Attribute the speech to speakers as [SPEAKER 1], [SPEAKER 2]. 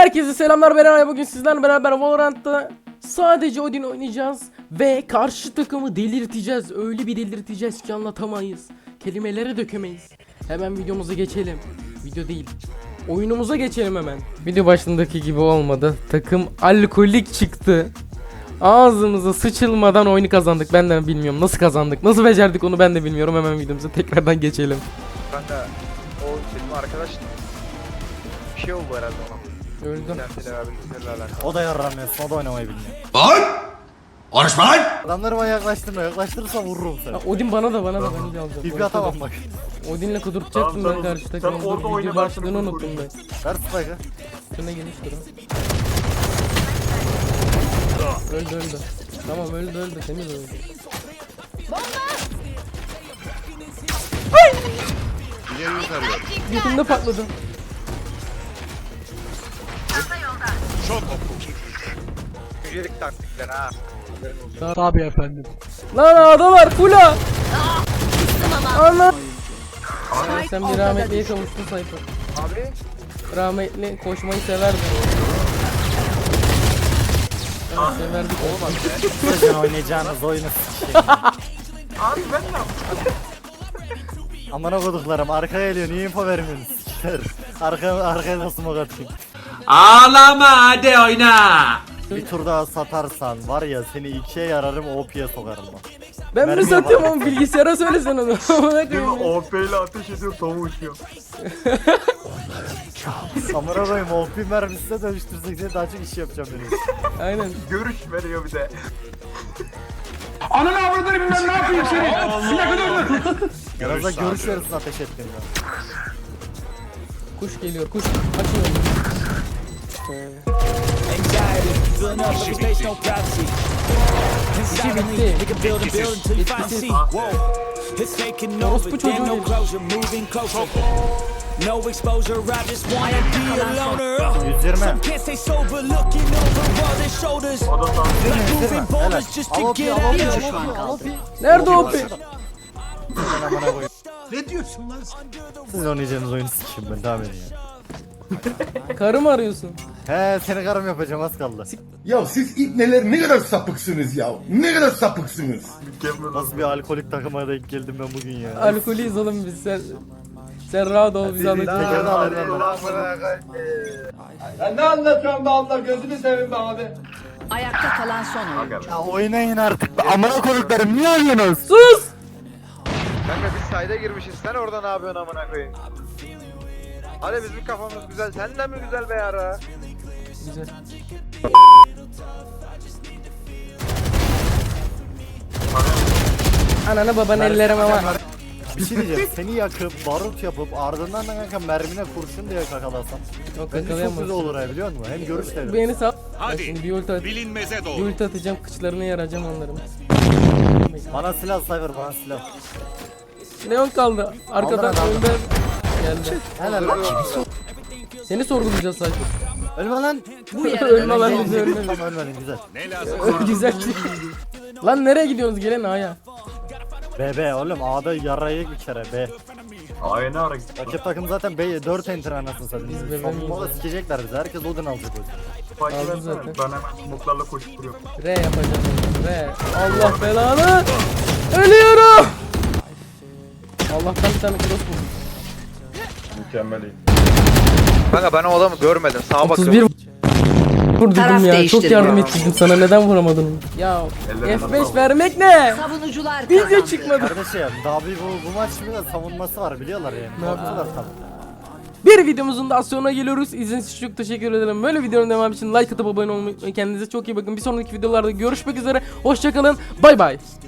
[SPEAKER 1] Herkese selamlar, ben Eray. Bugün sizlerle beraber Valorant'ta sadece Odin oynayacağız ve karşı takımı delirteceğiz. Öyle bir delirteceğiz ki anlatamayız. Kelimeleri dökemeyiz. Hemen videomuza geçelim. Video değil, oyunumuza geçelim hemen. Video başındaki gibi olmadı. Takım alkolik çıktı. Ağzımıza sıçılmadan oyunu kazandık. Ben de bilmiyorum nasıl kazandık, nasıl becerdik onu ben de bilmiyorum. Hemen videomuza tekrardan geçelim.
[SPEAKER 2] Kanka o benim arkadaş bir şey oldu herhalde ona.
[SPEAKER 1] Öldüm.
[SPEAKER 3] O da yarramıyorsun, o da oynamayı bilmiyor.
[SPEAKER 4] Lan! Konuşma lan!
[SPEAKER 3] Adamlarıma yaklaştırırsa vururum seni.
[SPEAKER 1] Ha, Odin bana da ben de alacağım.
[SPEAKER 3] Tipi atamam bak.
[SPEAKER 1] Odin'le kudurtacaktım ben karşı takımı.
[SPEAKER 5] orada
[SPEAKER 1] Dur,
[SPEAKER 5] oyna,
[SPEAKER 1] video
[SPEAKER 5] ben
[SPEAKER 1] başlığını
[SPEAKER 5] seni
[SPEAKER 1] unuttum ben.
[SPEAKER 3] Ver spike'ı.
[SPEAKER 1] Şuna geniş durun. Öldü. Tamam öldü temiz öldü.
[SPEAKER 4] İleriyi tarıyor.
[SPEAKER 1] Götümde patladı.
[SPEAKER 2] Yücelik taktikler ha.
[SPEAKER 1] Tabii efendim. Lan ağda var kula. Ana. Sen bir rahmetliye kavuştun Sayfa.
[SPEAKER 2] Abi
[SPEAKER 1] Rahmetli koşmayı severdi. Evet, severdik.
[SPEAKER 3] Sizin oynayacağınız oyunu s**eyim.
[SPEAKER 2] abi ben ne yaptım?
[SPEAKER 3] Amına koduklarım arkaya geliyor, niye info vermiyorsunuz s**ler. Arkaya nasıl smoke atayım.
[SPEAKER 4] Ağlama hadi oyna!
[SPEAKER 3] Bir tur daha satarsan var ya seni ikiye yararım, OP'ye sokarım bak.
[SPEAKER 1] Ben mi
[SPEAKER 3] Mermiye
[SPEAKER 1] satıyorum
[SPEAKER 3] bak.
[SPEAKER 1] onu, bilgisayara söylesen onu. Amına koyayım ya.
[SPEAKER 5] OP ile ateş ediyor, tavuğu uçuyor.
[SPEAKER 3] Amına koyayım, OP mermisine dönüştürsek seni daha çok iş yapacağım benim.
[SPEAKER 1] Aynen.
[SPEAKER 5] Görüş veriyor bir de.
[SPEAKER 4] Ananı avradını bilmem ne yapayım seni!
[SPEAKER 3] Biraz da görüş verirsin ateş ettiğinde.
[SPEAKER 1] Kuş geliyor, kuş. Açın önünü. İşi bitti. Etkisiz. Orospu çocuğu değil.
[SPEAKER 6] No exposure, I just wanna be a loner.
[SPEAKER 3] 120.
[SPEAKER 6] Some can't stay sober, looking over their shoulders. Like moving boulders just to get out.
[SPEAKER 1] Nerede o pi?
[SPEAKER 3] Ben amına koyayım.
[SPEAKER 4] Ne diyorsun lan?
[SPEAKER 3] Siz oynayacağınız oyunu s**eyim ben, devam edin ya.
[SPEAKER 1] Karı mı arıyorsun?
[SPEAKER 3] He, seni karım yapacağım, az kaldı.
[SPEAKER 7] Ya siz ibneler ne kadar sapıksınız ya. Ne kadar sapıksınız.
[SPEAKER 3] Nasıl bir alkolik takıma denk geldim ben bugün ya.
[SPEAKER 1] Alkolüyüz oğlum biz, sen rahat ol, biz alacağız.
[SPEAKER 3] Tekrardan alayım ben.
[SPEAKER 5] Ne anlatıyorsun be abla, gözünü seveyim be abi.
[SPEAKER 8] Ayakta kalan son oyuncu.
[SPEAKER 3] Ya oynayın artık. Amına koyduklarım, niye oynuyorsunuz?
[SPEAKER 1] Sus!
[SPEAKER 2] Kanka biz sayda girmişiz, sen orada ne yapıyorsun amına koyayım? Hadi bizim kafamız güzel, senden mi güzel be yara?
[SPEAKER 1] Güzel. Ananı babanı ellerim ama.
[SPEAKER 3] Bir şey diyeceğim, seni yakıp barut yapıp ardından da kanka mermine kurşun diye kakalasam
[SPEAKER 1] Yok,
[SPEAKER 3] bence çok
[SPEAKER 1] yakalayamazsın.
[SPEAKER 3] güzel olur ha, biliyor musun? Hem görüş de.
[SPEAKER 1] Beni sal.
[SPEAKER 4] Hadi,
[SPEAKER 1] Şimdi bir ulti
[SPEAKER 4] bilinmeze
[SPEAKER 1] bir
[SPEAKER 4] doğru.
[SPEAKER 1] ulti atacağım, kıçlarını yaracağım onların.
[SPEAKER 3] Bana silah Cypher, bana silah.
[SPEAKER 1] Neon kaldı. Arkadan
[SPEAKER 3] Aldım, aldım.
[SPEAKER 1] önden geldi.
[SPEAKER 3] Helal lan.
[SPEAKER 1] Seni sorgulayacağız sadece.
[SPEAKER 3] Ölme lan.
[SPEAKER 1] Ölme lan bizi, ölme.
[SPEAKER 3] Tamam, ölmedin, güzel.
[SPEAKER 4] Ne lazım?
[SPEAKER 1] Güzel. Lan nereye gidiyorsunuz? Gelin A'ya.
[SPEAKER 3] B oğlum, A'da yarayı bir kere B.
[SPEAKER 5] Aynı ara git.
[SPEAKER 3] Rakip takım zaten B'ye 4 enter anasını satayım.
[SPEAKER 1] Biz B
[SPEAKER 3] Savunmada sikecekler bizi, herkes Odin alacak o yüzden.
[SPEAKER 5] Spike'ı
[SPEAKER 1] Aldı
[SPEAKER 5] versene,
[SPEAKER 1] zaten.
[SPEAKER 5] ben hemen smoklarla koşup duruyorum.
[SPEAKER 1] R yapacağım. R. Allah belanı. Ölüyorum. Allah'tan bir tane cross buldum.
[SPEAKER 5] Mükemmel iyi.
[SPEAKER 2] Kanka ben o adamı görmedim, sağa
[SPEAKER 1] 31
[SPEAKER 2] bakıyorum.
[SPEAKER 1] vur
[SPEAKER 8] Taraf
[SPEAKER 1] dedim ya. Çok
[SPEAKER 8] değiştirme.
[SPEAKER 1] yardım ettim sana. Neden vuramadın? Ya
[SPEAKER 5] Ellerine
[SPEAKER 1] F5
[SPEAKER 5] sağlık.
[SPEAKER 1] vermek ne?
[SPEAKER 8] Savunucular
[SPEAKER 1] Video
[SPEAKER 8] kazandı.
[SPEAKER 1] çıkmadı.
[SPEAKER 3] Kardeşim daha bir bu maç bir de savunması var, biliyorlar yani.
[SPEAKER 1] Ne
[SPEAKER 3] Korktular tabii.
[SPEAKER 1] Bir videomuzun daha sonuna geliyoruz. İzlediğiniz için çok teşekkür ederim. Böyle videonun devamı için like atıp abone olmayı unutmayın. Kendinize çok iyi bakın. Bir sonraki videolarda görüşmek üzere. Hoşçakalın. Bay bay.